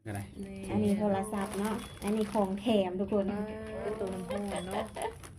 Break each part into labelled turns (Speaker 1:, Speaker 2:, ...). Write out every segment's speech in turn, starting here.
Speaker 1: อะไร
Speaker 2: อันนี้โทรศัพท์เนาะอันนี้ของแถมทุกคน
Speaker 3: ตัวน้ำหอมเนาะ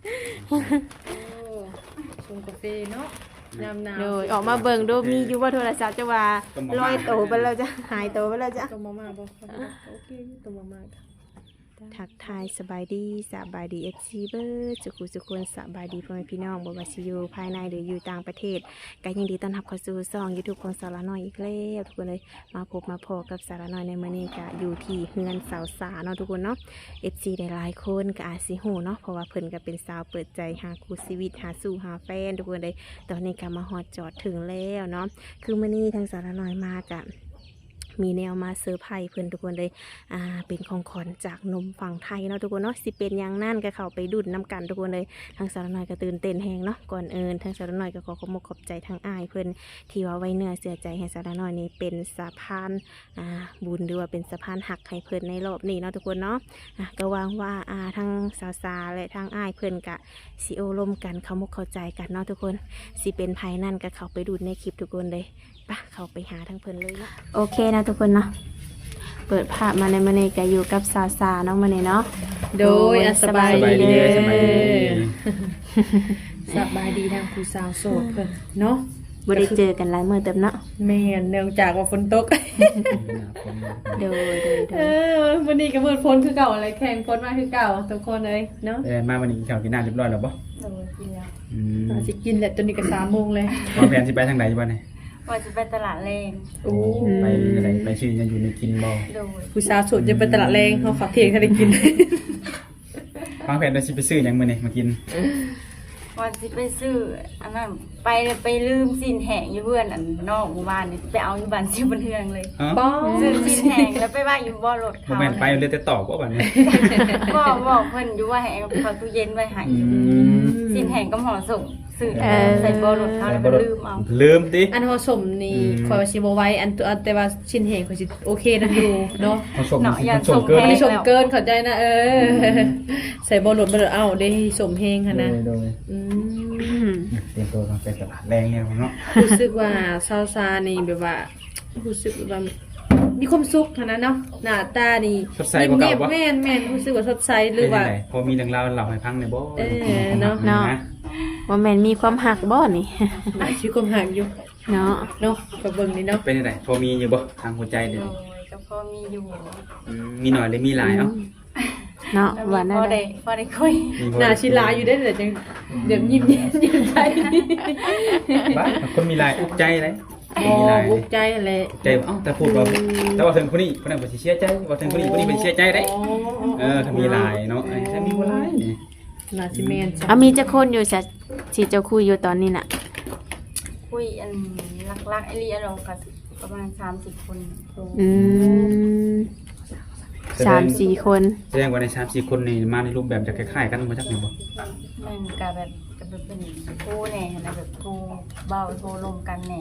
Speaker 3: ชงกาแฟเนาะน้ำหนาว
Speaker 2: โดยออกมาเบิ่งดูมีอยู่ว่าโทรศัพท์จะว่าลอยโตไปแล้วจ้ะหายโตไปแล้วจ้ะ
Speaker 3: ตัวมาบ่โอเคตัวมา
Speaker 2: ทักทายสบายดีเอฟซีเบอร์สุขุนสบายดีพ่อแม่พี่น้องบ่ว่าสิอยู่ภายในหรืออยู่ต่างประเทศก็ยินดีต้อนรับเข้าสู่ช่อง YouTube ของสาระน้อยอีกแล้วทุกคนเลยมาพบมาพอกับสาระน้อยในมื้อนี้ก็อยู่ที่เฮือนสาวสาเนาะทุกคนเนาะ FC ได้หลายคนก็อาจสิฮู้เนาะเพราะว่าเพิ่นก็เป็นสาวเปิดใจหาคู่ชีวิตหาสู่หาแฟนทุกคนเลยตอนนี้ก็มาฮอดจอดถึงแล้วเนาะคือมื้อนี้ทางสาระน้อยมาก็มีแนวมาเซอร์ไพรส์เพื่อนทุกคนเลยเป็นของขวัญจากนมฝั่งไทยเนาะทุกคนเนาะสิเป็นอย่างนั่นก็เข้าไปดุดน้ำกันทุกคนเลยทางสารน้อยก็ตื่นเต้นแหงเนาะก่อนทางสารน้อยก็ขอขอบใจทางอ้ายเพื่อนที่ว่าไว้เนื้อเสียใจให้สารน้อยนี่เป็นสะพานบุญหรือว่าเป็นสะพานหักให้เพื่อนในรอบนี้เนาะทุกคนเนาะก็หวังว่าทางสาวๆและทางอ้ายเพื่อนกะสิโอลมกันเข้าใจกันเนาะทุกคนสิเป็นภายนั่นก็เข้าไปดูในคลิปทุกคนเลยปะเข้าไปหาทางเพื่อนเลยเนาะโอเคนะทุกคนเนาะเปิดภาพมาในมื้อนี้ก็อยู่กับสาวๆเนาะมื้อนี้เนาะ
Speaker 3: โดยสบายดี
Speaker 1: สบายดี
Speaker 3: สบายดีทางผู้สาวโสดเพิ่นเนาะ
Speaker 2: บ่ได้เจอกันหลายมื้อเต็มเนาะ
Speaker 3: แม่นเนื่องจากว่าฝนตก
Speaker 2: โดย
Speaker 3: วันนี้ก็มืดฝนคือเก่าอะไรแข่งฝนมาคือเก่าทุกคนเลยเนาะ
Speaker 1: มาวันนี้กินข้าวกินน้ำเรียบร้อยแล้วบ่
Speaker 3: โดยกินแล้วสิกินแหละตอนนี้ก็3 โมงเลย
Speaker 1: วางแผนสิไปทางไหนอยู่บ้านนี่
Speaker 4: ว่าจะไปตลาดแรง
Speaker 3: โอ้
Speaker 1: ไปอะไรไปชื่อยังอยู่ในกินบ่
Speaker 4: โดย
Speaker 3: ผู้สาวโสดจะไปตลาดแรงเขาขอเที่ยงเขาได้กิน
Speaker 1: วางแผนว่าสิไปซื้อหยังมื้อนี้มากิน
Speaker 4: ว่าจะไปซื้ออันนั้นไปลืมสินแห้งอยู่เพื่อนอันนอกหมู่บ้านนี่ไปเอาอยู่บ้านซิวบันเทืองเลย
Speaker 1: อ๋อ
Speaker 3: ป้อ
Speaker 4: ซื้อสินแห้งแล้วไปว่าอยู่บ่อรถ
Speaker 1: บ่
Speaker 4: เขา
Speaker 1: แม่นไปเลยแต่ตอบบ่บัดนี้
Speaker 4: บอกเพิ่นอยู่ว่าให้เอาเข้าตู้เย็นไว้ให้สินแห้งก็ห่อส่งซื้อใส่บ่อรถเขาแล้วก็ลืมเอา
Speaker 1: ลืมติ
Speaker 3: อันผสมนี่คอยว่าสิบ่ไว้อันตัวแต่ว่าชิ้นแห้งคอยสิโอเคนะอยู่เนาะ
Speaker 1: ผสมผสมเกิน
Speaker 3: ไม่ได้ชมเกินเข้าใจนะใส่บ่หลดบ่เอาได้สมแห้งค่ะนะ
Speaker 1: โดยเตรียมตัวไปตลาดแรงเนี่ยเนาะ
Speaker 3: รู้สึกว่าซาวซานี่แบบว่ารู้สึกว่ามีความสุขค่ะนะเนาะหน้าตานี่แม่นรู้สึกว่าสดใสหรือว่า
Speaker 1: พอมีเรื่องราวเล่าให้ฟังได้บ่
Speaker 2: เนาะว่าแม่นมีความหักบ่นี่
Speaker 3: ชีวิตความห่างอยู่
Speaker 2: เนาะ
Speaker 3: เนาะกับเบิ่งนี่เนาะ
Speaker 1: เป็นจังไดพอมีอยู่บ่ทางหัวใจเด้
Speaker 4: โดยก็พอมีอยู่
Speaker 1: มีหน่อยหรือมีหลายเอ้า
Speaker 2: เนาะ
Speaker 4: แล้ว
Speaker 2: ว่า
Speaker 4: พ
Speaker 2: นั่
Speaker 4: อน ได้พอได้คุย
Speaker 3: หน้าชิลาอยู่ได้แต่จังเดี๋ยวยิ้มใจ
Speaker 1: บ้าคนมีหลายอุกใจเลย
Speaker 3: อ๋ออุกใจอะไร
Speaker 1: ใจเอ้าแต่พูดว่าแต่ว่าถึงคนนี้คนนั้นบ่สิเสียใจว่าถึงคนนี้เป็นเสียใจได้ถ้ามีหลายเนาะถ้ามีบ่หลายนี่
Speaker 3: หน้าซิเมน
Speaker 2: มีจักคนอยู่สิเจ้าคุยอยู่ตอนนี้น่ะ
Speaker 4: คุยอันลักๆไอเลียเราก็ประมาณ30 คน
Speaker 2: 3-4 คน
Speaker 1: แสดงว่าใน3-4คนนี่มาในรูปแบบจะคล้ายๆกันบ่จักแม่นบ่
Speaker 4: มันก็แบบเป็นโทรแหน่นะแบบโทรเบาโทรลมกันแหน่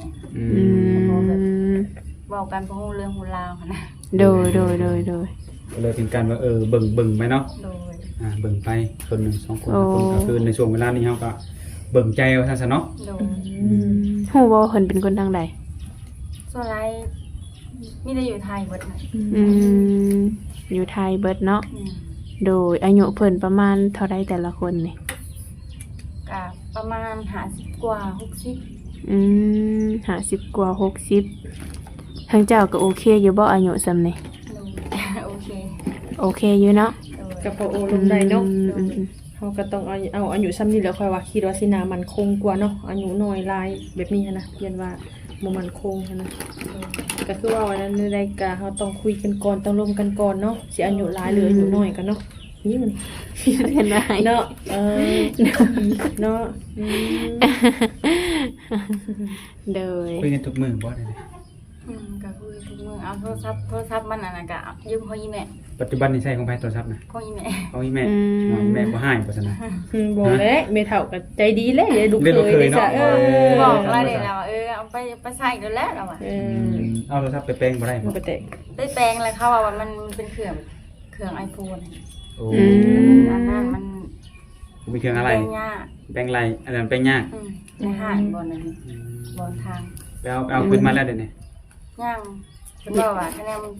Speaker 4: เบากันเพราะเรื่องฮูลาวนะ
Speaker 2: โดย
Speaker 1: ก็เลยเป็นการว่าเบิ่งไปเนาะ
Speaker 4: โดย
Speaker 1: เบิ่งไปคน1 2คนคนก็คือในช่วงเวลานี้เฮาก็เบิ่งใจว่าซั่นซะเนาะ
Speaker 4: โดย
Speaker 2: ฮู้บ่เพิ่นเป็นคนทางใด
Speaker 4: ส่วนไรมีแต่อยู่ไทยเบิดนะ
Speaker 2: อยู่ไทยเบิดเนาะโดยอายุเพิ่นประมาณเท่าไรแต่ละคนนี่
Speaker 4: ก็ประมาณ50 กว่า 60
Speaker 2: 50 กว่า 60ทางเจ้าก็โอเคอยู่บ่อายุซำนี่
Speaker 4: โอเค
Speaker 2: โอเคอยู่เนาะ
Speaker 3: กับพอโอลมได้เนาะเขาก็ต้องเอาอายุซ้ำนี่แล้วค่อยว่าคิดว่าสินามันคงกว่าเนาะอายุน้อยลายแบบนี้นะเรียนว่าบ่มันคงนะก็คือว่าวันนั้นในรายการเขาต้องคุยกันก่อนต้องร่วมกันก่อนเนาะสิอายุหลายหรืออายุน้อยกันเนาะนี่มัน
Speaker 2: เห็นไหม
Speaker 3: เนาะเนาะ
Speaker 2: โดย
Speaker 1: คุยกันทุกมื้อบ่ได้
Speaker 4: ก็คุยทุกมื้อเอาโทรศัพท์มันอันนั้นก็ยืมของอีแม่
Speaker 1: ปัจจุบันนี่ใช้ของไผโทรศัพท์นะ
Speaker 4: ของอีแม่
Speaker 1: ของอีแม่แม่บ่ให้บ่ซั่นนะ
Speaker 3: บอกแล้วเมเฒ่าก็ใจดีเลยอย่าดูเคยได้ซะ
Speaker 4: บอกแล้วเลยเราเอาไปใส่กันแล้วเราอ่ะ
Speaker 1: เอาโทรศัพท์ไปแปลงบ่ได้
Speaker 3: มัน
Speaker 1: บ่
Speaker 3: ก็แต่
Speaker 4: ได้แปลงแล้วเขาว่ามันเป็นเครื่อง iPhone
Speaker 1: โอ้
Speaker 4: อันนั้นมัน
Speaker 1: มีเครื่องอะไร
Speaker 4: แปลงยาก
Speaker 1: แปลงไรอันนั้นแปลงยาก
Speaker 4: ในห้างบนนั้นบนทาง
Speaker 1: ไปเอาขึ้นมาแล้วเดี๋ยวนี้
Speaker 4: ย่างเป็นว่าคะแนนจ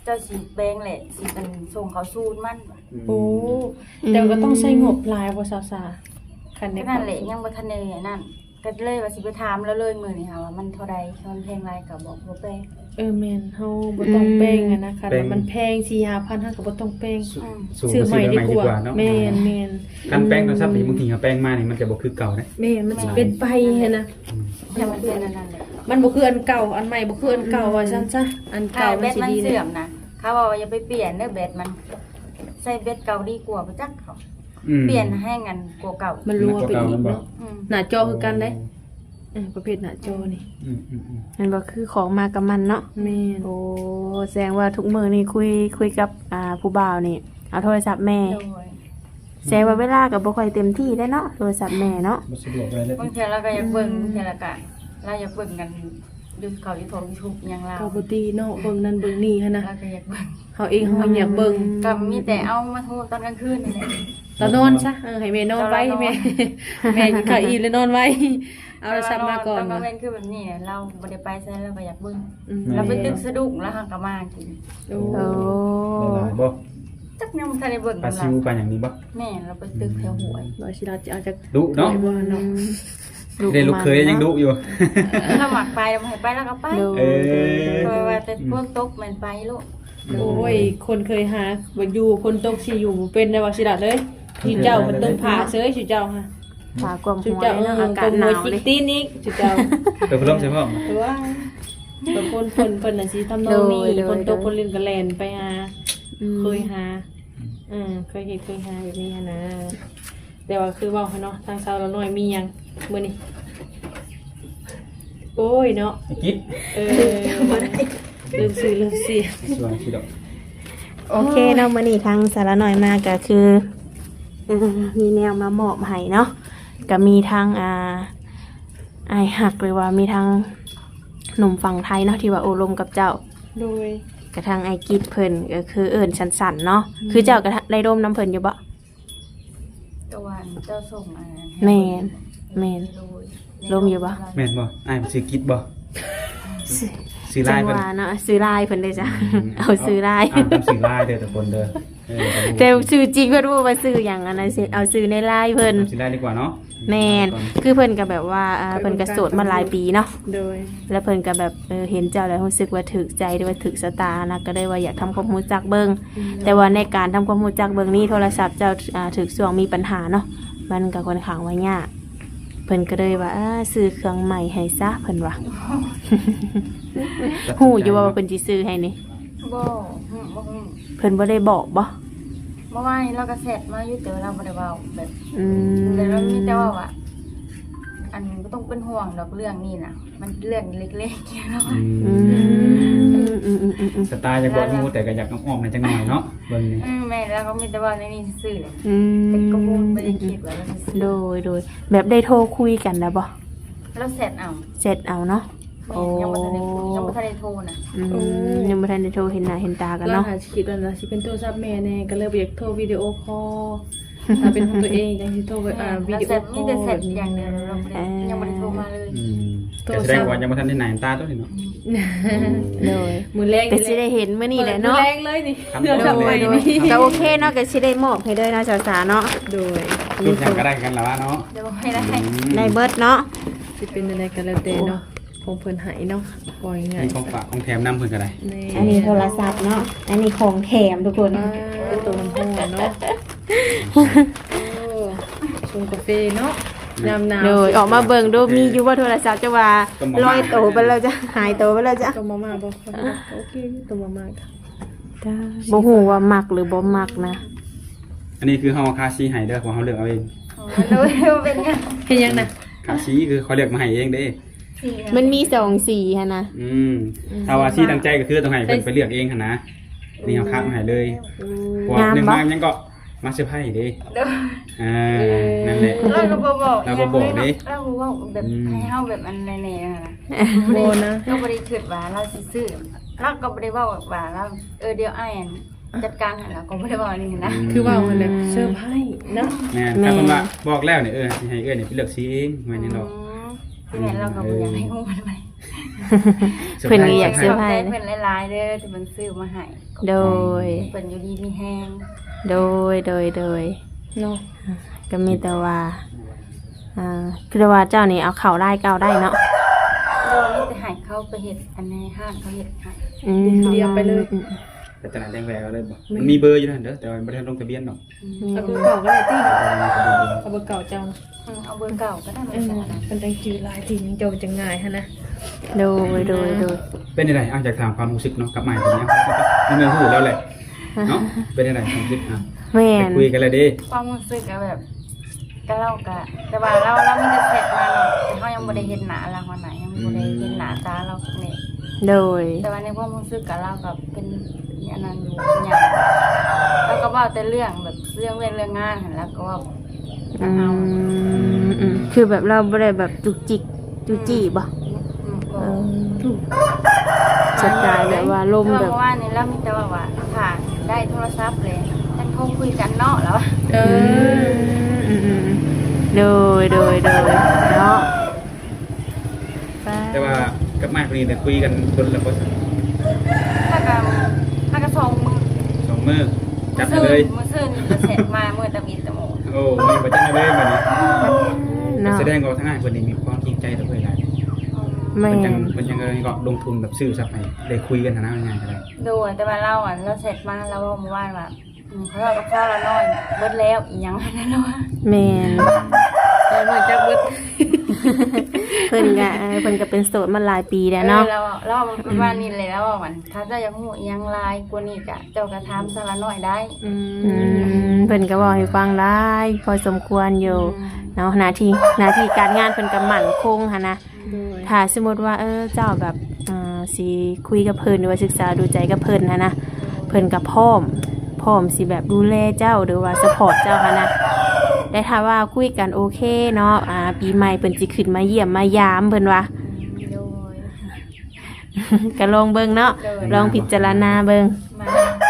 Speaker 4: จ้าสิแปลงแหละสิกันส่งเขาสูตรมัน
Speaker 3: โอ้แต่ก็ต้องใช้งบหลายบ่สาวสาคันใน
Speaker 4: นั่นแหละยังบ่ทันได้นั่นก็เลยว่าสิไปถามแล้วเลยมื้อนี้ค่ะว่ามันเท่าใดมันแพงหลายก็บอกบ่แปลง
Speaker 3: แม่นเฮาบ่ต้องแป้งอะนะคะแต่มันแพง 4-5,000เฮาก็บ่ต้องแป้ง
Speaker 1: สูง
Speaker 3: ซื้อ
Speaker 1: ก็
Speaker 3: ให
Speaker 1: ซื้
Speaker 3: ม่
Speaker 1: อ
Speaker 3: ดี
Speaker 1: ใหม่
Speaker 3: ก
Speaker 1: ดี
Speaker 3: ว่าก
Speaker 1: ว่าเนาะ
Speaker 3: แม่น
Speaker 1: การแป้งโทรศัพท์บางทีเขาแป้งมานี่มันจะบ่คือเก่านะ
Speaker 3: แม่นมันสิเป็นไปหั่นนะ
Speaker 4: แต่มันเป็นอันนั้นแหละ
Speaker 3: มันบ่คืออันเก่าอันใหม่บ่คืออันเก่าว่าซั่นซะอัน
Speaker 4: ถ้า
Speaker 3: เก่า
Speaker 4: แบ
Speaker 3: มัน
Speaker 4: ต
Speaker 3: สิ
Speaker 4: มัน
Speaker 3: ดี
Speaker 4: เสื่อมนะเขาบอกว่าอย่าไปเปลี่ยนเด้อแบตมันใส่แบตเก่าดีกว่าบ่จักเขาเปลี่ยนให้งันกว่าเก่า
Speaker 3: มันรัวไปอีกเนาะ
Speaker 4: อืม
Speaker 3: หน้าจอคือกันได้ประเภทหน้าจอนี่
Speaker 2: มันบ่คือของมากับมันเนาะ
Speaker 3: แม่น
Speaker 2: โอ้แสดงว่าทุกมื้อนี่คุยกับผู้บ่าวนี่เอาโทรศัพท์แม่
Speaker 4: โดย
Speaker 2: แสดงว่าเวลาก็บ่ค่อยเต็มที่ได้เนาะโทรศัพท์แม่เนาะ
Speaker 1: บ่สะดวกอะไรเลย
Speaker 4: บางทีเราก็อยากเบิ่งบางทีเราก็เราอยากเบิ่งกันดูเขาอยู่ของ YouTube อย่างเรา
Speaker 3: ปกติเนาะเบิ่งนั่นเบิ่งนี่หั่นนะ
Speaker 4: เราก็อยากเบิ่ง
Speaker 3: เฮาเองเฮาอยากเบิ่ง
Speaker 4: ก็มีแต่เอามาโทรตอนกลางคืนนี่แหละ
Speaker 3: เรานอนซะให้แม่นอนไว้แม่แม่กินข้าวอิ่มแล้วนอนไว้เอาโทรศัพท์มาก่อน
Speaker 4: ตอนกลาง
Speaker 3: ว่ะ
Speaker 4: เว้นคือแบบนี้เราบ่ได้ไปใส่เราก็อยากเบิ่ง
Speaker 3: อืม
Speaker 4: เราไปตึกสะดุ้งแล้วหักก็มากิน
Speaker 3: โอ้
Speaker 2: โอ้
Speaker 1: หลายบ่
Speaker 4: จักยังบ่ทันได้เบิ่ง
Speaker 1: ปลา
Speaker 4: กัน
Speaker 1: ซิวปลาอย่างนี้บ่
Speaker 4: แม่เราไปตึกแถวหวย
Speaker 3: บ่สิเราจะเอาจาก
Speaker 1: ดุเนาะ
Speaker 3: บ่เนาะ
Speaker 1: ได้ลูกเคยยังดุอยู่
Speaker 4: เราหมักไปเราให้ไปแล้วก็ไป
Speaker 1: เออ
Speaker 4: เพราะว่าแต่พวกตกมันไปลูก
Speaker 3: โอ้ยคนเคยหาบ่อยู่คนตกสิอยู่บ่เป็นได้ว่าสิล่ะเลยสิเจ้ามันต้องผ่าเซ้ยสิเจ้าฮะ
Speaker 2: ขากลม
Speaker 3: สิ
Speaker 2: หัว
Speaker 3: เจ้า
Speaker 2: เลยเนาะอากาศห
Speaker 3: ห
Speaker 2: นาว
Speaker 3: จิ
Speaker 2: เล
Speaker 3: ก
Speaker 2: ย
Speaker 3: ตีนอีกสิเจ้า
Speaker 1: เปิดพัดลมใช่ป่ะ
Speaker 3: หรือว่าบางคนเพิ่นน่ะสิทำนองนี้คนตกคนเล่นก็แล่นไปหาเคยหาเคยเห็นเคยหาแบบนี้หั้นนะแต่ว่าคือเว้าให้เนาะทางชาวละน้อยมีหยังมื้อนี้โอ้ยเนาะ
Speaker 1: กิ๊ด
Speaker 3: ลืมซื้อลืมเสีย
Speaker 1: ส่วนที่ดอก
Speaker 2: โอเคเนาะมื้อนี้ทางสาระหน่อยมาก็คือมีแนวมามอบให้เนาะก็มีทางอายหักหรือว่ามีทางหนุ่มฝั่งไทยเนาะที่ว่าโอลมกับเจ้า
Speaker 3: โดย
Speaker 2: กระทั่งไอกิดเพิ่นก็คือเอิ้นสันๆเนาะคือเจ้าก็ได้ร่มน้ำเพิ่นอยู่บ่
Speaker 4: ตะวันเจ้าส่งอันนั้น
Speaker 2: แม่นลมอยู่บ่
Speaker 1: แม่นบ่อ้ายมันซื้อกิ๊ดบ่ซื้อ
Speaker 2: จั
Speaker 1: ลาย
Speaker 2: ง
Speaker 1: เพิ่น
Speaker 2: ว่าเนาะซื้อลายเพิ่นได้จ้ะเอาซื้อลาย
Speaker 1: อ่านตามซื้อลายเด้อทุกคนเด้อ
Speaker 2: แต่ชื่อจริงเพิ่นบ่ว่าซื้อหยังอันนั้นสิเอาซื้อในลายเพิ่น
Speaker 1: ซื้อลายดีกว่าเนาะ
Speaker 2: แม่นคือเพิ่นก็แบบว่าเพิ่นก็โสดมาหลายปีเนาะ
Speaker 3: โดย
Speaker 2: แล้วเพิ่นก็แบบเห็นเจ้าแล้วรู้สึกว่าถึกใจหรือว่าถึกสตานะก็เลยว่าอยากทำความรู้จักเบิ่งแต่ว่าในการทำความรู้จักเบิ่งนี้โทรศัพท์เจ้าถึกช่วงมีปัญหาเนาะมันก็ค่อนข้างว่ายากเพิ่นก็เลยว่าซื้อเครื่องใหม่ให้ซะเพิ่นว่า ฮู้อยู่ว่าเพิ่นสิซื้อให้นี่
Speaker 4: บ่บ่
Speaker 2: เพิ่นบ่ได้บอกบ่
Speaker 4: เมื่อวานเราก็เสร็จมาอยู่แต่เราบ่ได้เว้าแบบ
Speaker 2: อืม
Speaker 4: แต่เรามีแต่ว่าอันก็ต้องเป็นห่วงดอกเรื่องนี้น่ะมันเรื่องเล็กๆเนาะ
Speaker 1: สไตล์จะบอกงูแต่ก็อยากอ้อมๆในจังหน่อยเนาะเบิ่งนี่
Speaker 4: แม่แล้วก็มีแต่ว่าในนี้ซื่อๆเลย
Speaker 2: อืม
Speaker 4: แต่ก็บ่ได้คิดว่าเราสิซื้อ
Speaker 2: โดยแบบได้โทรคุยกันนะบ่
Speaker 4: เราเสร็จเอา
Speaker 2: เสร็จเอาเนาะ
Speaker 4: แม่ยังบ่ทันได้คุยยังบ่ทันได้โทรน่ะ
Speaker 2: ยังบ่ทันได้โทรเห็นหน้าเห็นตากัน
Speaker 3: เรา
Speaker 2: เนาะ
Speaker 3: หาคิดว่าน่ะสิเป็นโทรศัพท์แม่แน่ก็เลยบ่อยากโทรวิดีโอคอลถ้าเป็นของตัวเองจังสิโทรวิดีโอคอล
Speaker 4: มีแต่เสร็จอย่างเดียวเรายังบ่ได้โทรมาเลย
Speaker 1: แต่แสดงว่ายังบ่ทันได้หน้าตาตัวนี้เนาะ
Speaker 2: โดย
Speaker 3: มือแรก
Speaker 2: ก็สิได้เห็นมื้อนี้แหละเนาะ
Speaker 3: มือแรกเลยนี่
Speaker 1: ครับ
Speaker 3: เดี๋ยวทำไมนี่
Speaker 2: ก็โอเคเนาะก็สิได้มอบให้เด้อเนาะสาวๆเนาะ
Speaker 3: โดย
Speaker 1: ทุกอย่างก็ได้กันแล้วเนาะ
Speaker 4: เดี๋ยวไม่ได้
Speaker 2: ได้เบิดเนาะ
Speaker 3: สิเป็นอะไรกันแล้วแต่เนาะคงเพิ่นใหายเนาะปล่อยง่าย
Speaker 1: มีของฝากของแถมนำเพิ่นก็ได้
Speaker 2: อันนี้โทรศัพท์เนาะอันนี้ของแถมทุกคน
Speaker 3: เป็นตัวน้ำหัวเนาะชงกาแฟเนาะน้ำหนาว
Speaker 2: โดยออกมาเบิ่งดูมีอยู่ว่าโทรศัพท์จะว่าลอยโตไปแล้วจะหายโตไปแล้วจะ
Speaker 3: ตัวมาม่าบอกโอเคตัวมาม่าค่ะ
Speaker 2: บ่ฮู้ว่ามักหรือบ่มักนะ
Speaker 1: อันนี้คือเฮาคาซีให้เด้อของเฮาเลือกเอาเอง
Speaker 4: เราเป็นยัง
Speaker 3: เห็นยังนะ
Speaker 1: คาซีคือเขาเลือกมาให้เองเด้
Speaker 2: มันมี2สีหั่นนะ
Speaker 1: ถ้าว่าซีตั้งใจก็คือต้องให้เพิ่นไปเลือกเองหั่นนะนี่เฮาคัดมาให้เลยเพราะว่านึงมายังก็มาเซอร์ไพรส์เด้นั่นแหละ
Speaker 4: เราก็บอก
Speaker 1: เราก็บอกดิ
Speaker 4: เราบอกแบบให้เฮาแบบอันแน่ๆนะ
Speaker 3: โบนะ
Speaker 4: เราบ่ได้คิดว่าเราสิซื้อเราก็บ่ได้เว้าว่าเราเดี๋ยวอ้ายจัดการให้เราก็บ่ได้เว้านี่นะ
Speaker 3: คือว่ามันแบบเซอร์ไพรส์เนาะ
Speaker 1: แม่ถ้าเพิ่นว่าบอกแล้วนี่สิให้นี่ไปเลือกซีเองแม่นี่ดอก
Speaker 4: แม่เราก็บ่อยากให้ฮู้มันไป
Speaker 2: เพิ่นก็อยาก
Speaker 4: ข
Speaker 2: ซื้อ
Speaker 4: อบ
Speaker 2: ให้
Speaker 4: ใจเพิ่นหลายๆเด้อที่เพิ่นซื้อมาให้
Speaker 2: โดย
Speaker 4: เพิ่นอยู่ดีมีแฮง
Speaker 2: โดย
Speaker 3: เนาะ
Speaker 2: ก็มีแต่ว่าคือว่าเจ้านี่เอาเข่าได้เก้าได้เนาะ
Speaker 4: โดยมีแต่ให้เขาไปเฮ็ดอันในห้างเขาเฮ็ดให้
Speaker 3: เรียงไปเลย
Speaker 1: แต่ตลาดแดงแหวกเอาเลยบ่มันมีเบอร์อยู่นั่นเด้อแต่ว่าบ่ได้ลงทะเบียนดอก
Speaker 3: เอาเบอร์เก่าก็ได้ติเอาเบอร์เก่าเจ้านะ
Speaker 4: เอาเบอร์เก่าก็ได้เหมื
Speaker 3: เอ
Speaker 4: อน
Speaker 3: อ
Speaker 4: กันนะ
Speaker 3: เป็นจังจือหลายทีนึงเจ้าจะง่ายฮะนะ
Speaker 2: โดย
Speaker 1: เป็นยังไงอ่ะอยากถามความรู้สึกเนาะกับใหม่ตัวเนี้ยมันเมื่อหูแล้วแหละเนาะเป็นยังไงความรู้สึกอ่ะ
Speaker 2: แม่
Speaker 1: ไป
Speaker 2: น
Speaker 1: คุยกันเลยดิ
Speaker 4: ความรู้สึกก็แบบก็เล่าก็แต่ว่าเรามีแต่แชทมาเนาะแต่เขายังบ่ได้เห็นหน้าเราวันไหนยังบ่ได้เห็นหน้าตาเราเนี่ย
Speaker 2: โดย
Speaker 4: แต่ว่าในความรู้สึกกับเรากับเป็นอย่างนั้นอยู่อย่างเราก็เว้าแต่เรื่องแบบเรื่องเว้นเรื่องงานหั่นแล้วก็เว่าเอา
Speaker 2: คือแบบเราบ่ได้แบบจุกจิกจุจี้บ่
Speaker 4: ก็
Speaker 2: สไตล์แบบว่าลม
Speaker 4: แต่
Speaker 2: แบบ
Speaker 4: ว่านี่เรามีแต่ว่าผ่านได้โทรศัพท์เลยท่านโทรคุยกันเนาะแล้ว
Speaker 3: เออ
Speaker 2: โดยเนาะ
Speaker 1: แต่ว่ากับใหม่คนนี้แต่คุยกันคนละคน
Speaker 4: ถ้าก็ส่งมือ
Speaker 1: สองมือจับกันเลย
Speaker 4: มือซื่อนี่จะเสร็จมาเมื่อตะบิดตะโม
Speaker 1: โอ้มีประจันเลยบัดนี้
Speaker 2: เนาะ
Speaker 1: แสดงว่าทั้งง่ายคนนี้มีความจริงใจต่อเพื่อนได้
Speaker 2: แม่
Speaker 1: มันยังก็ลงทุนแบบซื้อซับให้ได้คุยกันฐานะง่ายๆกันเลย
Speaker 4: ดูแต่ว่าเราเราเสร็จมาแล้วว่าเมื่อวานว่าเขาเรากับข้าวเราน้อยเบิดแล้วอีกอย่างนั้นแล้วว่า
Speaker 2: แม่น
Speaker 3: แล้วเหมือนจะเบิด
Speaker 2: เพิ่นก็เป็นโสดมาหลายปีแล้วเนาะ
Speaker 4: เราวันนี้เลยแล้วว่ามันถ้าเจ้ายังหูยังลายกว่านี้กะเจ้ากระทำสารน้อยได้
Speaker 2: เพิ่นก็บอกให้ฟังได้พอสมควรอยู่เนาะหน้าที่การงานเพิ่นก็มั่นคงหั่นนะถ้าสมมุติว่าเจ้าแบบสิคุยกับเพิ่นหรือว่าศึกษาดูใจกับเพิ่นหั่นนะเพิ่นก็พร้อมสิแบบดูแลเจ้าหรือว่าซัพพอร์ตเจ้าหั่นนะได้ถ้าว่าคุยกันโอเคเนาะปีใหม่เพิ่นสิขึ้นมาเยี่ยมมายามเพิ่นว่า
Speaker 4: โดย
Speaker 2: ก็ลองเบิ่งเนาะลองพิจารณาเบิ่ง
Speaker 4: มา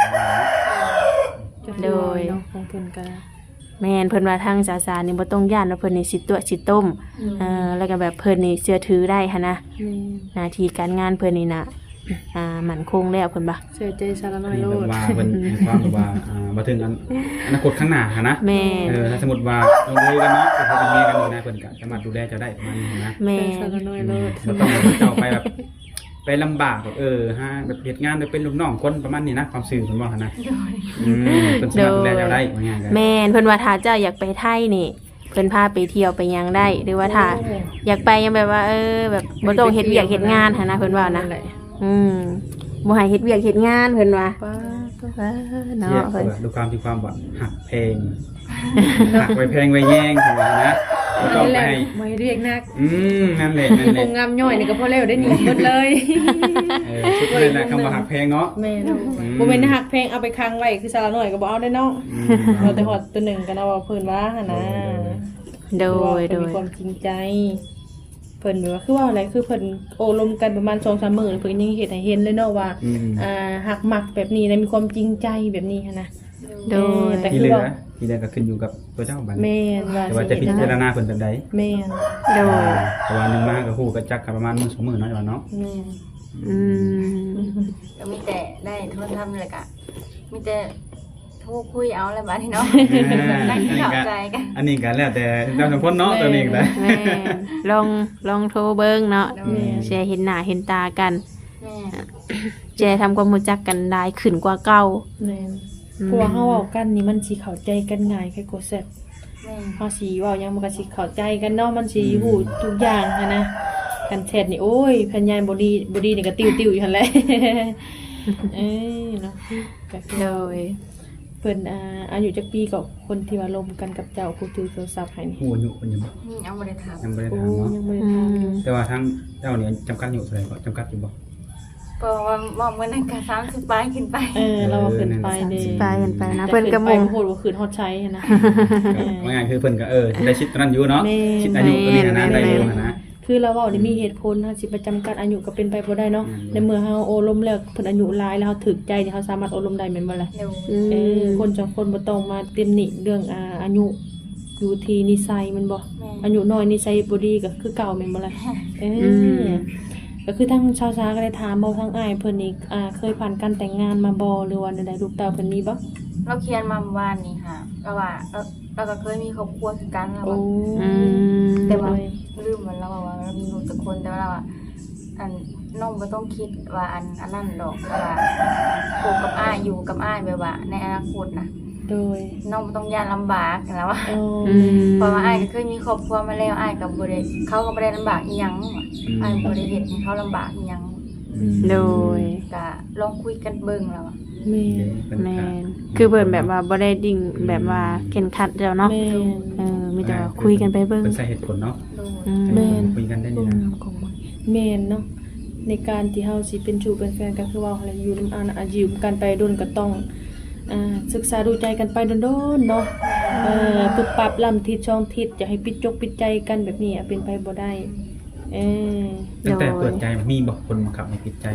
Speaker 2: โดย
Speaker 3: ของเพิ่นก็
Speaker 2: แม่นเพิ่นว่าทางสานี่บ่ต้องย่านว่าเพิ่นนี่สิตัวสิต้มแล้วก็แบบเพิ่นนี่เชื่อถือได้หันนะหน้าที่การงานเพิ่นนี่น่ะมั่นคงแล้วเพิ่นบ่
Speaker 3: เสียใจสารน้อย
Speaker 1: นี่
Speaker 3: โล
Speaker 1: แบบ
Speaker 3: ด
Speaker 1: ว่าเป็นความแบบว่ามาถึงอนาคตข้างหน้านะ
Speaker 2: แม่น
Speaker 1: ถ้าสมมติว่าลงเลยกันเนาะเป็นเมียกันอยู่นะเพิ่นก็สามารถดูแลเจ้าได้ประมาณนี้นะ
Speaker 2: แม่
Speaker 3: สาน รน้อยโลด
Speaker 1: บ่ต้องให้เจ้าไปแบบไปลำบากแบบฮะแบบเฮ็ดงานเป็นลูกน้องคนประมาณนี้นะความซื่อเพิ่นว่าหั่นนะเพิ่นสามารถดูแลเจ้าได้ว่าง่ายกัน
Speaker 2: แม่นเพิ่นว่าถ้าเจ้าอยากไปไทยนี่เพิ่นพาไปเที่ยวไปหยังได้หรือว่าถ้าอยากไปยังแบบว่าแบบบ่ต้องเฮ็ดเวียกเฮ็ดงานหันนะเพิ่นว่านะบ่ให้เฮ็ดเวียกเฮ็ดงานเพิ่นว่า
Speaker 3: ป้า
Speaker 2: เนาะ
Speaker 1: เนาะ
Speaker 2: เพิ่น
Speaker 1: ดูความที่ความแบบหักเพลงหักไว้เพลงไว้แย่งถือว่านะบ่ต้อง
Speaker 3: นี่แห
Speaker 1: ไป
Speaker 3: ละ
Speaker 1: ให้
Speaker 3: ไม่เรียกนัก
Speaker 1: นั่นแหละ
Speaker 3: คงงามย่อยนี่ก็พอแล้วได้หนีหมดเลย
Speaker 1: ชุดนั่นแหละคำว่าหักเพลงเนาะ
Speaker 3: แม่นบ่แม่นหักเพลงเอาไปค้างไว้คือสารน้อยก็บ่เอาได้เนาะเราแต่ฮอดตัวหนึ่งกันเอาเพิ่นว่าหั่นนะ
Speaker 2: โดย
Speaker 3: มีความจริงใจเพิ่นแบบว่าคือว่าอะไรคือเพิ่นโอ้ลมกันประมาณ 2-3 มื้อเพิ่นยังเฮ็ดให้เห็นเลยเนาะว่าหักมักแบบนี้นะมีความจริงใจแบบนี้หั่นนะ
Speaker 2: โดย
Speaker 3: แต่
Speaker 1: ที่
Speaker 3: คือ
Speaker 1: เหลือ
Speaker 3: ว่า
Speaker 1: ที่เหลือก็ขึ้นอยู่กับตัวเจ้าบัด
Speaker 3: แม่นว่า
Speaker 1: แต่ว่าจะพิจารณาเพิ่นแบบใด
Speaker 3: แม่น
Speaker 2: โดย
Speaker 1: แต่ว่านึงมาก็ฮู้ก็จักกันประมาณมื้อ2มื้อเนาะว่าเนาะ
Speaker 3: แม่น
Speaker 2: อืม
Speaker 4: ก็มีแต่ได้โทรศัพท์เลยกะมีแต่โทรคุยเอาอะไรบ้างเนาะนั่งเข้าใจกัน
Speaker 1: อันนี้ก็แล้วแต่เจ้าสองคนเนาะตัวนี้ก็ได้
Speaker 2: แม่นลองโทรเบิ่งเนาะแชร์เห็นหน้าเห็นตากัน
Speaker 4: แม่
Speaker 2: แชร์ทำความรู้จักกันได้ขึ้นกว่าเก่า
Speaker 3: แม่นเพราะว่าเฮาเว้ากันนี่มันสิเข้าใจกันง่ายแค่กดแซ่บ
Speaker 4: แม่
Speaker 3: เฮาสิเว้าหยังมันก็สิเข้าใจกันเนาะมันสิฮู้ทุกอย่างหันนะกันแชทนี่โอ้ยพันยานบ่ดีนี่ก็ติ้วๆอยู่หั่นแหละ เนาะก็คือ
Speaker 2: โดย
Speaker 3: เพิ่นอายุจักปีกับคนที่ว่าลมกันกับเจ้าผู้ถือโทรศัพท์ให้นี่
Speaker 1: ฮู้อายุเพิ่นยัง
Speaker 4: เอาไม่ได้ถาม
Speaker 1: ยังบ่ได้
Speaker 3: โอ้
Speaker 1: ถามเนาะ
Speaker 3: ยังบ่ได้ถามอยู่
Speaker 1: แต่ว่าทั้งเจ้าเนี่ยจำกัดอยู่เท่าไหร่ก็จำกัดอยู่บ่
Speaker 4: เพราะว่าบอกเมื่อนั้นก็30 ปลายขึ้นไป
Speaker 3: เราเอาขึ้นไปเด้
Speaker 2: ไปกันไปนะเพิ่นก็มง
Speaker 3: โหดว่าคืนฮอดใช้นะ
Speaker 1: ว่าง่ายคือเพิ่นก็ได้ชิดตอนนั้นอยู่เนาะ
Speaker 3: แม่
Speaker 1: ชิดอายุตัวนี้นะได้อยู่นะ
Speaker 3: คือเราเว้าได้มีเหตุผลเฮาสิประจำกัดอายุก็เป็นไปบ่ได้เนาะในเมื่อเฮาโอลมแล้วเพิ่นอายุหลายแล้วเฮาถึกใจนี่เฮาสามารถโอลมได้แม่นบ่ล่ะ
Speaker 4: เร็ว
Speaker 3: คนสองคนบ่ต้องมาเต็มหนิเรื่องอายุอยู่ที่นิสัยมันบ่อายุน้อยนิสัยบ่ดีก็คือเก่าแม่นบ่ล่ะก็ก็คือทั้งชาวซาก็ได้ถามบ่ทั้งอ้ายเพิ่นนี่เคยผ่านการแต่งงานมาบ่หรือว่าใดๆลูกเต้าเพิ่นมีบ่
Speaker 4: เราเขียนมาเมื่อวานนี้ค่ะก็ว่าเราก็เคยมีครอบครัวคือกันแล้ว
Speaker 3: โอ้
Speaker 4: ว่า
Speaker 2: อืม
Speaker 4: แต่ว่าลืมมันแล้วว่าเรามีลูกทุกคนแต่ว่าเราอะอันน้องบ่ต้องคิดว่าอันนั้นดอกแต่ว่าโคกับอ้ายอยู่กับอ้ายแบบว่าในอนาคตนะ
Speaker 3: โดย
Speaker 4: น้องบ่ต้องย่านลำบากแล้วว่า
Speaker 3: โอ้
Speaker 2: อืม
Speaker 4: เพราะว่าอ้ายก็เคยมีครอบครัวมาแล้วอ้ายก็บ่ได้เขาก็บ่ได้ลำบากอีหยังอ้ายบ่ได้เฮ็ดให้เขาลำบากอีหยัง
Speaker 2: โดย
Speaker 4: ก็ลองคุยกันเบิ่งแล้วอะ
Speaker 3: แม่
Speaker 2: แม่นคือเบิ่นแบบว่าบ่ได้ดิ่งแบบว่าเข็นขัดแล้วเนาะ
Speaker 3: แม่น
Speaker 2: มีแต่ว่าคุยกันไปเบิ่ง
Speaker 1: เป็นสาเหตุผลเนาะ
Speaker 4: ดู
Speaker 2: อืม
Speaker 3: แม่น
Speaker 1: คุยกันได้นี่นะ
Speaker 3: ของมันแม่นเนาะในการที่เฮาสิเป็นชูเป็นแฟนกันคือว่าอะไรอยู่นำอยู่กันไปโดนก็ต้องศึกษาดูใจกันไปโดนๆเนาะปึ๊บปั๊บลำทิศช่องทิศอย่าให้ปิดจกปิดใจกันแบบนี้เป็นไปบ่ได้เออ
Speaker 1: ตั้งแต่เปิดใจมีบอกคนบังคับให้ปิดใจ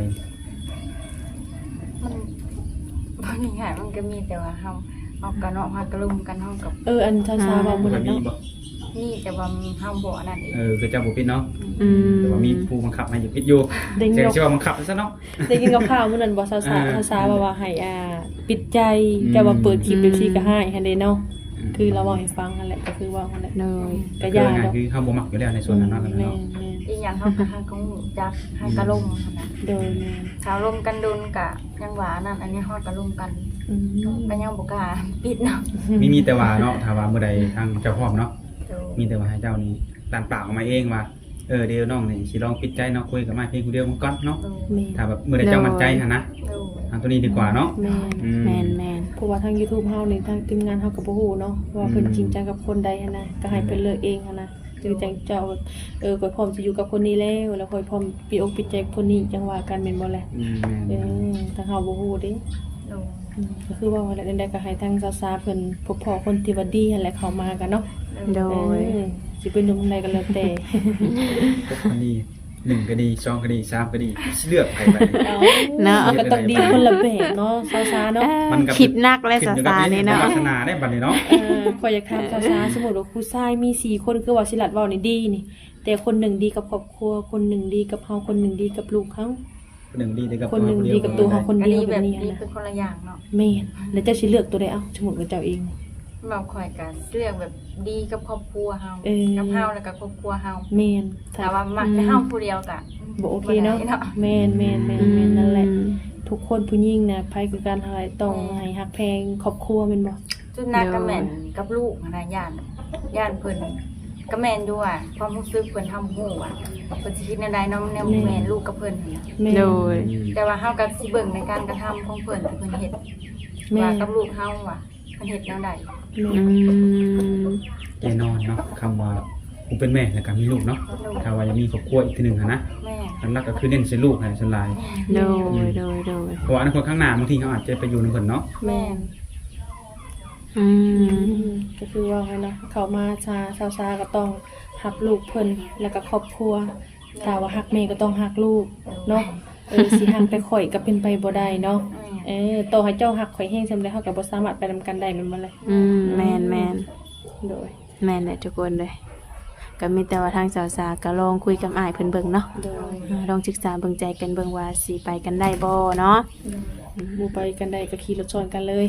Speaker 4: มันบางอย่างมันก็มีแต่ว่าเฮาเอากันเนาะเฮาก็ลุมกันเฮากับ
Speaker 3: อันชาๆเว้ามื้อ
Speaker 1: มั
Speaker 3: นั้น น
Speaker 1: มี
Speaker 3: เนาะ
Speaker 1: บอก
Speaker 4: นี่แต่ว่าเฮาบ่อันนั้นเอง
Speaker 1: คือเจ้าบุปิดเนาะ
Speaker 2: อืม
Speaker 1: แต่ว่ามีผู้บังคับให้อยู่ปิดอยู่
Speaker 3: ได้ยิน
Speaker 1: เสียง
Speaker 3: กับ
Speaker 1: ชื่อว่าบังคับซะเนาะ
Speaker 3: ได้ยินกับข่าวมื้อนั้นบ่ชาๆว่าให้ปิดใจแต่ว่าเปิดคลิปเดี๋ยวสิก็ให้หั่นเด้เนาะคือเราเว้าให้ฟังนั่นแหละก็คือว่านั่นแหละ
Speaker 2: โดย
Speaker 3: ก็
Speaker 1: คื
Speaker 3: ยา
Speaker 1: อไง
Speaker 3: ดอก
Speaker 1: คือเขาบ่มักอยู่แล้วในส่วนนั้นเนาะ
Speaker 3: แม่
Speaker 1: เนาะ
Speaker 3: น
Speaker 4: อีหยังเฮาก็หาของจักให้กะลมหั่นน่ะ
Speaker 3: ๆโดยแม่น
Speaker 4: ถ้าลมกันโดนกะยังว่านั่นอันนี้ฮอดกะลมกัน
Speaker 3: อืม
Speaker 4: ก็ยังบ่กล้าปิดเนาะ
Speaker 1: มีแต่ว่าเนาะถ้าว่าเมื่อใดทางเจ้าพ่อมเนาะ
Speaker 4: ดู
Speaker 1: มีแต่ว่าให้เจ้านี่ตานปากออกมาเองว่าเดี๋ยวน้องนี่สิลองปิดใจเนาะคุยกับมาเพียงผู้เดียวมันก่อนเนาะ
Speaker 4: ดู
Speaker 3: แม่น
Speaker 1: ถ้าแบบเมื่อใดเจ้ามั่นใจหั่นนะ
Speaker 4: ดู
Speaker 1: ทางตัวนี้ดีกว่าเนาะ
Speaker 3: แม่น
Speaker 1: อืม
Speaker 2: แม่นแม่น
Speaker 3: เพราะว่าทาง YouTube เฮานี่ทางทีมงานเฮาก็บ่ฮู้เนาะว่าเพิ่นจริงจังกับคนใดหันนะก็ให้เพิ่นเลือกเองหันนะคือจังเจ้าก็พร้อมจะอยู่กับคนนี้แล้วค่อยพร้อมปิดอกปิดใจกับคนนี้จังว่ากันแม่นบ่แหละ
Speaker 1: แม่น
Speaker 3: ทางเฮาบ่ฮู้เด้
Speaker 4: ดู
Speaker 3: ก็คือว่าอะไรใดๆก็ให้ทางซาๆเพิ่นพบพอคนที่ว่าดีหั่นแหละเข้ามากันเนาะ
Speaker 2: โดย
Speaker 3: สิเป็นหนุ่มใดก็แล้วแต่
Speaker 1: พวกคนนี้1ก็ดี2ก็ดี3ก็ดีเลือกไปไป
Speaker 2: เนาะ
Speaker 3: ก็ต้องดีคนละแบบเนาะซาๆเนาะ
Speaker 1: มันก็
Speaker 2: คิดนักและ
Speaker 1: ขึ้
Speaker 2: สา
Speaker 1: อยู่กับ
Speaker 2: สานี่เนาะ
Speaker 1: วาสนาได้บัดนี้เนาะ
Speaker 3: ข้อยอยากถามซาๆสมมุติว่าผู้ชายมี4คนคือว่าสิลัดเว้านี่ดีนี่ แต่คนหนึ่งดีกับครอบครัวคนหนึ่งดีกับเฮาคนหนึ่งดีกับลูกเขา
Speaker 1: คนหนึ่งดีกับ
Speaker 3: คนหนึ่งดีกับตัวเขาคน
Speaker 4: อัน
Speaker 3: เดียว
Speaker 4: นี้
Speaker 3: แบ
Speaker 4: แบบ บ
Speaker 3: นี้
Speaker 4: นี้
Speaker 3: นะ
Speaker 4: เป็นคนละอย่างเนาะ
Speaker 3: แม่นแล้วเจ้าสิเลือกตัวใดเอ้าสมมุติว่าเจ้าเอง
Speaker 4: เราคอยกันเรื่องแบบดีกับครอบครัวเฮา
Speaker 3: เออ
Speaker 4: กับเฮาแล้วก็ครอบครัวเฮา
Speaker 3: แม่น
Speaker 4: แต่ว่ามักจะเฮาผู้เดียวกะ
Speaker 3: บ่โอเคเนาะ
Speaker 4: บ่ได้เนาะ
Speaker 3: แม่นแม่นแม่นแม่นนั่นแหละ ทุกคนผู้หญิงน่ะภัยคือการหายต้องให้ฮักแพงครอบครัวแม่นบ่
Speaker 4: จุดนักกับแม่นกับลูกนะย่านเพิ่นก็แม่นด้วยความรู้สึกเพิ่นทำฮู้อ่ะเพิ่นสิคิดแนวใดเนาะแนวแม่นลูกกับเพิ่นนั่นน่ะ
Speaker 3: แม่
Speaker 2: โดย
Speaker 4: แต่ว่าเฮาก็สิเบิ่งในการกระทำของเพิ่นที่เพิ่นเฮ็ด
Speaker 3: แม่
Speaker 4: ว่ากับลูกเฮาว่าเพิ่นเฮ็ดแนวใด
Speaker 2: อืม
Speaker 1: แน่นอนเนาะคำว่าผมเป็นแม่แล้วก็มีลูกเนาะถ้าว่ายังมีครอบครัวอีกทีหนึงนะ
Speaker 4: แม่
Speaker 1: อันแรกก็คือเน้นใส่ลูกให้ส่วนหลาย
Speaker 2: โดยโดยโดย
Speaker 1: เพราะว่าอนาคตข้างหน้าบางทีเขาอาจจะไปอยู่ในเพิ่นเนาะ
Speaker 3: แม่
Speaker 2: อืม
Speaker 3: ก็คือว่าไงเนาะเขามาซาก็ต้องฮักลูกเพิ่นแล้วก็ครอบครัวถ้าว่าฮักแม่ก็ต้องฮักลูกเนาะสิฮักแต่ข่อยก็เป็นไปบ่ได้เนาะ
Speaker 4: แม่
Speaker 3: ต่อให้เจ้าฮักข่อยแฮงซำใดเฮาก็บ่สามารถไปนำกันได้แม่นบ่ล่ะ
Speaker 2: แม่นแม่น
Speaker 3: โดย
Speaker 2: แม่นแหละทุกคนเลยก็มีแต่ว่าทางสาวสาก็ลองคุยกับอ้ายเพิ่นเบิ่งเนาะ
Speaker 3: โดย
Speaker 2: ลองศึกษาเบิ่งใจกันเบิ่งว่าสิไปกันได้บ่เนาะ
Speaker 3: บ่ไปกันได้ก็ขี่รถชนกันเลย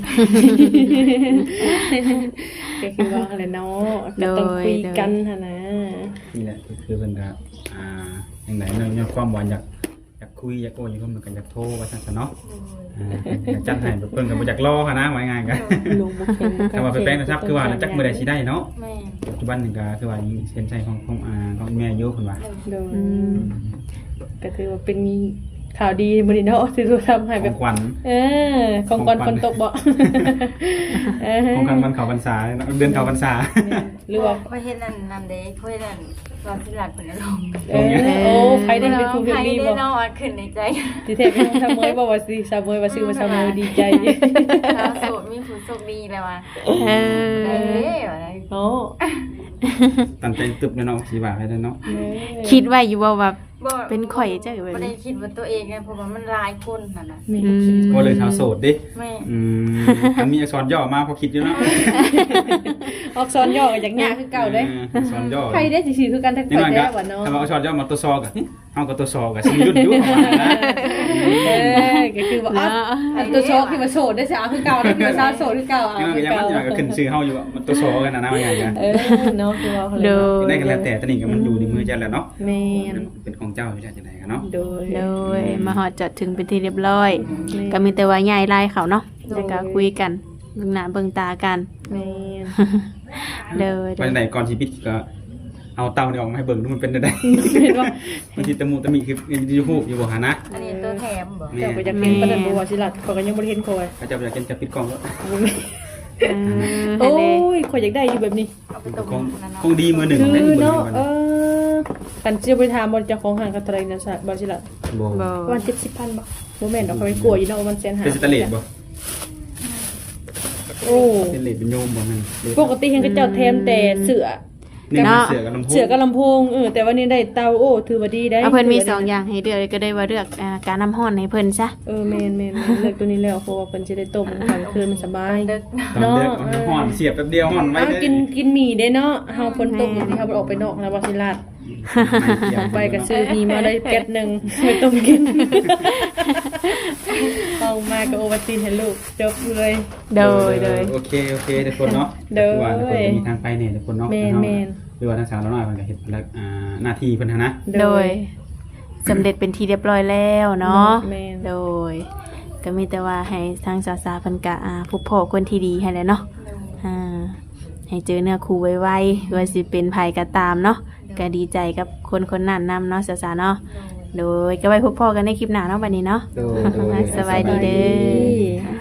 Speaker 3: ก็คือว่าอะไรเนาะก็ต้องคุยกันหั่นนะ
Speaker 1: นี่แหละคือเพิ่นก็อย่างไหนเนาะมีความหวานอยากคุยอยากโอ้อยากมันก็อยากโทรว่าซั่นซะเนาะอยากจัดให้เพิ่นก็บ่อยากรอค่ะนะว่าง่ายๆก็
Speaker 3: ลงบ่แข็ง
Speaker 1: ถ้าว่าไปแป้งนะครับคือว่าจักมื้อใดสิได้เนาะ
Speaker 4: แม่
Speaker 1: ปัจจุบันนี่ก็คือว่ายังเซ็นใช้ของแม่อยู่เพิ่นว่า
Speaker 3: โดยก็ถือว่าเป็นข่าวดีมื้อนี้เนาะที่เราทำให้
Speaker 1: ข
Speaker 3: แบ
Speaker 1: อบ งขวัญ
Speaker 3: ของก่อนฝนตกบ่
Speaker 1: ของขวัญวันเข้าพรรษาเนาะเดือนเข้าพรรษา
Speaker 3: หรือว่า
Speaker 4: ค่อยเฮ็ดนั่นเด้ค่อยนั่นตอนที่หลัดเพิ่นลง
Speaker 3: โอ้ใครได้เป็นครูเพล
Speaker 4: ใครง
Speaker 3: ดี
Speaker 4: ได้
Speaker 3: บ่
Speaker 4: เนาะขึ้นในใจ
Speaker 3: ที่แท้เป็นซาเมยบ่ว่าสิซาเมยว่าชื่อว่าซาเมยดีใจ
Speaker 4: เราโสดมีผู้โชคดีแล้วว่ะ
Speaker 2: เอ
Speaker 4: เอ้
Speaker 2: อย
Speaker 4: ว่าได้
Speaker 3: โอ้
Speaker 1: ตั้งใจตึบเนาะสิว่าให้ได้เนาะ
Speaker 2: คิดไว้อยู่ว่าแบบ
Speaker 4: บ่
Speaker 2: เป็นข่อยจังแบบนี้
Speaker 4: บ่ได้คิดว่าตัวเองไงเพราะว่ามันหลายคนนั่นน่ะ
Speaker 3: แม่
Speaker 1: ก็เลยชาวโสดดิ
Speaker 4: แม่
Speaker 1: มันมีอักษรย่อมาพอคิดอยู่เนาะ
Speaker 3: ออกซ้อนย่อกันอย่างยากคือเก่าเด้
Speaker 1: อักษรย่อ
Speaker 3: ใครได้สิคือกันทั้ง
Speaker 1: นี่
Speaker 3: ข่อย
Speaker 1: มัน
Speaker 3: แท้
Speaker 1: ก็
Speaker 3: ว่าเนาะ
Speaker 1: ถ้าว่าอักษรย่อมาตัวซอกับเอากับตัวซอกับสิยุ่นยุ่นประมาณนั้นนะ
Speaker 3: ก็คือว่าอันตัวโชคที่มาโสดได้สิเอาคือเก่าได้คือว่าซาโสดคือเก่าเอา
Speaker 1: นี่มัน
Speaker 3: คื
Speaker 1: ก็
Speaker 3: อ
Speaker 1: ยัง
Speaker 3: เก่า
Speaker 1: มันก็ขึ้นชื่อเฮาอยู่มันตัวซอกันนะว่าไงกัน
Speaker 3: เนาะคือว่าเขา
Speaker 2: โด
Speaker 3: เลย
Speaker 2: ย
Speaker 1: ได้กันแล้วแต่ตอนนี้ก็มันอยู่ในมือเจ้าแล้วเนาะ
Speaker 3: แม่น
Speaker 1: เป็นของเจ้าอยู่จังไดกันเนาะ
Speaker 3: โดย
Speaker 2: โดยมาฮอดจอดถึงเป็นที่เรียบร้อย ก็มีแต่ว่าย้ายลายเขาเนาะแล้วก็คุยกันเบิ่งหน้าเบิ่งตากัน
Speaker 3: แม่น
Speaker 2: เด้อ
Speaker 1: ไปไหนก่อนชีวิตก็เอาเตานี่ออกมาให้เบิ่งดูมันเป็นได้
Speaker 3: เห็นว่า
Speaker 1: มันสิตะมูตะมีคืออยู่ฮู้อยู่บ่หานะ
Speaker 4: อันนี้ตัวแถมบ่
Speaker 3: เจ้าก็จะเป็นประเด็นบัวสิลัดเขาก็ยังบ่ได้เห็นคอย
Speaker 1: ก็จะอยากจะปิดกล้องแล้ว
Speaker 3: โอ้
Speaker 2: โอ้ย
Speaker 3: ยคอยอยากได้อยู่แบบนี้
Speaker 4: เอาไปต้ม
Speaker 1: คง
Speaker 4: นั่น
Speaker 1: ค
Speaker 4: เนาะ
Speaker 1: งดีมือหนึ่ง
Speaker 3: คื
Speaker 1: ได้
Speaker 3: อ
Speaker 1: มือหนึ่
Speaker 3: เนาะ
Speaker 1: ง
Speaker 3: กันเจียวไปถามบริจาคของห่างกันเท่าไหรนะบริษัท
Speaker 1: บ่
Speaker 2: บ่
Speaker 3: ประมาณ70,000บ่โมเมนต์เราเขาไปกลัวอยู่เนาะว่ามันแสนหา
Speaker 1: เป็นสแตนเลสบ่
Speaker 3: โอ้
Speaker 1: เป็นเลสเป็นโยมบ่แม่น
Speaker 3: ปกติเห็นก็เจ้าแถมแต่เสือ
Speaker 1: นี่มันเสือกับลำโพง
Speaker 3: เสือกับลำโพงแต่ว่านี่ได้เตาโอ้ถือว่าดีได้
Speaker 2: เอาเพิ่นมีสองอย่างให้เลือกก็ได้ว่าเลือกการน้ำร้อนให้เพิ่นซะ
Speaker 3: แม่นเลือกตัวนี้แล้วเพราะว่าเพิ่นจะได้ต้มกลางคืนมันสบาย
Speaker 4: ดึก
Speaker 1: ตอนเด็กมันห่อนเสียบแป๊บเดียวห่อนไว้
Speaker 3: เอา
Speaker 1: เลย
Speaker 3: กินหมี่ได้เนาะเฮาฝนตกบางทีเฮาออกไปนอกแล้วบ่สิลาดไปก็ซื้อหมี่มาได้แก๊สนึงไม่ต้มกินเอามาก็โอวัลตินให้ลูกจบเลย
Speaker 2: โดยโดย
Speaker 1: โอเคทุกคนเนาะ
Speaker 3: โดย
Speaker 1: ว่าทุกคนมีทางไปเนี่ยทุกคนเนาะ
Speaker 3: แม่น
Speaker 1: หรือว่าทางสาวเราหน่อยมันก็เฮ็ดหน้าที่เพิ่นนะ
Speaker 2: โดยสำเร็จเป็นที่เรียบร้อยแล้วเนาะ
Speaker 3: แม่น
Speaker 2: โดย ก็มีแต่ว่าให้ทางสาวๆเพิ่นก็พบพ่อคนที่ดีให้แหล้วเนาะให้เจอเนื้อคู่ไวๆว่าสิเป็นไผก็ตามเนาะก็ดีใจกับคนนั้นนำเนาะสาวๆเนาะโดยก็ไว้พบพ่อกันในคลิปหน้าเนาะบัดนี้เนาะ
Speaker 1: โดย
Speaker 2: สบายดีเด้อ